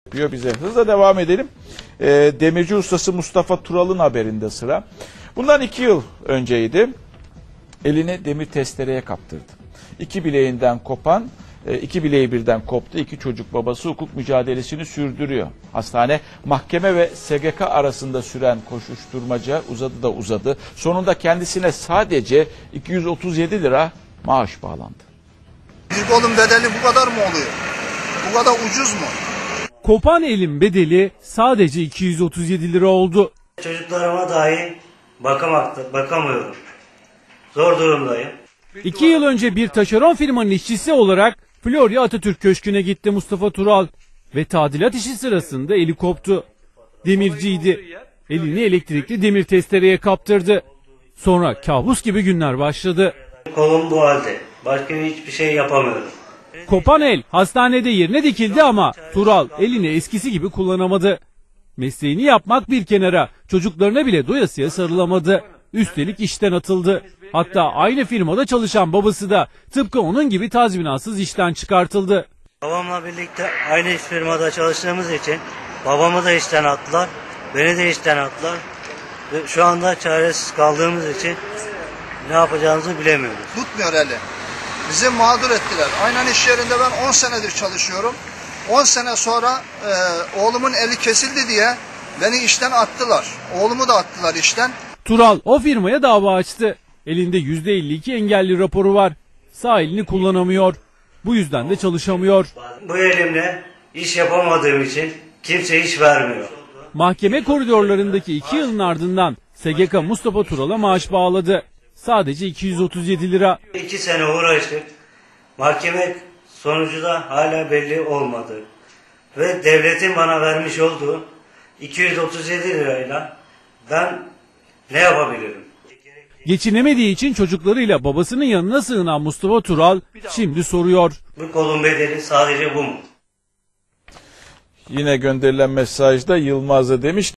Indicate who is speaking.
Speaker 1: Bize hızla devam edelim. Demirci ustası Mustafa Tural'ın haberinde sıra. Bundan 2 yıl önceydi. Elini demir testereye kaptırdı. İki bileği birden koptu. İki çocuk babası hukuk mücadelesini sürdürüyor. Hastane, mahkeme ve SGK arasında süren koşuşturmaca uzadı. Sonunda kendisine sadece 237 lira maaş bağlandı.
Speaker 2: Bir kolun bedeli bu kadar mı oluyor? Bu kadar ucuz mu?
Speaker 3: Kopan elin bedeli sadece 237 lira oldu.
Speaker 4: Çocuklarıma dahi bakamıyorum. Zor durumdayım.
Speaker 3: 2 yıl önce bir taşeron firmanın işçisi olarak Florya Atatürk Köşkü'ne gitti Mustafa Tural ve tadilat işi sırasında eli koptu. Demirciydi. Elini elektrikli demir testereye kaptırdı. Sonra kabus gibi günler başladı.
Speaker 4: Kolum bu halde. Başka hiçbir şey yapamıyorum.
Speaker 3: Kopan el hastanede yerine dikildi ama Tural elini eskisi gibi kullanamadı. Mesleğini yapmak bir kenara, çocuklarına bile doyasıya sarılamadı. Üstelik işten atıldı. Hatta aynı firmada çalışan babası da tıpkı onun gibi tazminatsız işten çıkartıldı.
Speaker 4: Babamla birlikte aynı firmada çalıştığımız için babamı da işten attılar, beni de işten attılar. Ve şu anda çaresiz kaldığımız için ne yapacağımızı bilemiyoruz.
Speaker 2: Tutmuyor eli. Bizi mağdur ettiler. Aynen iş yerinde ben 10 senedir çalışıyorum. 10 sene sonra oğlumun eli kesildi diye beni işten attılar. Oğlumu da attılar işten.
Speaker 3: Tural o firmaya dava açtı. Elinde %52 engelli raporu var. Sağ elini kullanamıyor. Bu yüzden de çalışamıyor.
Speaker 4: Bu elimle iş yapamadığım için kimse iş vermiyor.
Speaker 3: Mahkeme koridorlarındaki 2 yılın ardından SGK Mustafa Tural'a maaş bağladı. Sadece 237 lira.
Speaker 4: 2 sene uğraştık. Mahkeme sonucu da hala belli olmadı. Ve devletin bana vermiş olduğu 237 lirayla ben ne yapabilirim?
Speaker 3: Geçinemediği için çocuklarıyla babasının yanına sığınan Mustafa Tural şimdi soruyor.
Speaker 4: Bu kolun bedeli sadece bu mu?
Speaker 1: Yine gönderilen mesajda Yılmaz da demiş